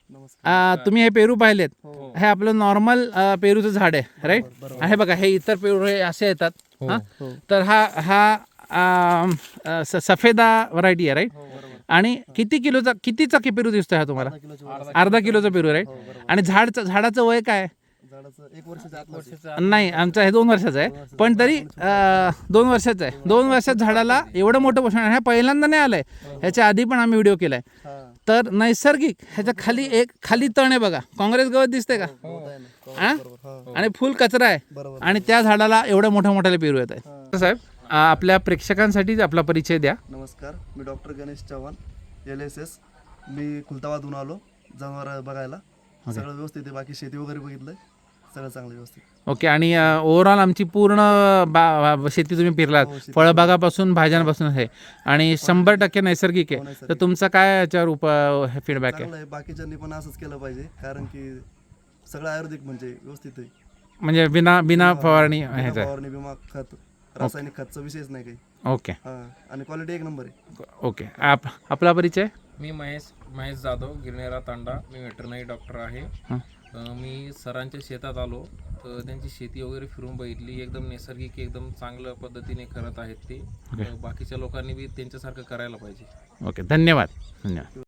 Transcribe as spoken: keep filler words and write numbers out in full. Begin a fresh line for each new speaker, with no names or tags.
आ, तुम्ही हे पेरू पाहिलेत, हे आपलं नॉर्मल पेरूचं झाड आहे राईट. हे बघा हे इतर पेरू हे असे येतात. हां तर हा हा आ, स सफेदा व्हरायटी आहे राईट. आणि किती किलोचा कितीचा की पेरू दिसतोय हा तुम्हाला? अर्धा किलोचा पेरू राईट. आणि झाडचं झाडाचं वय काय? नाही आमचं हे दोन वर्षाचं आहे, पण तरी दोन वर्षाचं आहे. दोन वर्षात झाडाला एवढं मोठं पोषण आहे. पहिल्यांदा नाही आलंय, ह्याच्या आधी पण आम्ही व्हिडिओ केलाय. तर नैसर्गिक ह्याच्या खाली एक खाली तण आहे बघा, काँग्रेस गवत दिसतंय का? हा आणि फुल कचरा आहे आणि त्या झाडाला एवढ्या मोठ्या मोठ्याला पेरू येत आहेत. साहेब आपल्या प्रेक्षकांसाठी आपला परिचय द्या.
नमस्कार, मी doctor Ganesh Chavan, L S S. मी खुलताबादहून आलो जनावर बघायला. सगळं व्यवस्थित आहे, बाकी शेती वगैरे बघितलंय, सगळं चांगलं व्यवस्थित.
ओके. आणि ओव्हरऑल आमची पूर्ण बा शेती तुम्ही फिरलात, फळबागापासून भाज्यांपासून आहे आणि शंभर टक्के नैसर्गिक आहे. तर तुमचा काय याच्यावर उप फीडबॅक आहे?
बाकीच्यांनी पण असंच केलं पाहिजे, कारण की सगळं आयुर्वेदिक म्हणजे व्यवस्थित आहे.
म्हणजे बिना बिना फवारणी ह्याचं
फवारणी, विमा, खत, रासायनिक खतचा विषयच नाही काही.
ओके.
आणि क्वालिटी एक नंबर आहे.
ओके. आप आपला परिचय?
मी महेश महेश जाधव, गिरनेरा तांडा. मी वेटरनरी डॉक्टर आहे. मी सरांच्या शेतात आलो तर त्यांची शेती वगैरे फिरून बघितली. एकदम नैसर्गिक, एकदम चांगल्या पद्धतीने करत आहेत ते. बाकीच्या लोकांनी बी त्यांच्यासारखं करायला पाहिजे.
ओके. धन्यवाद. धन्यवाद.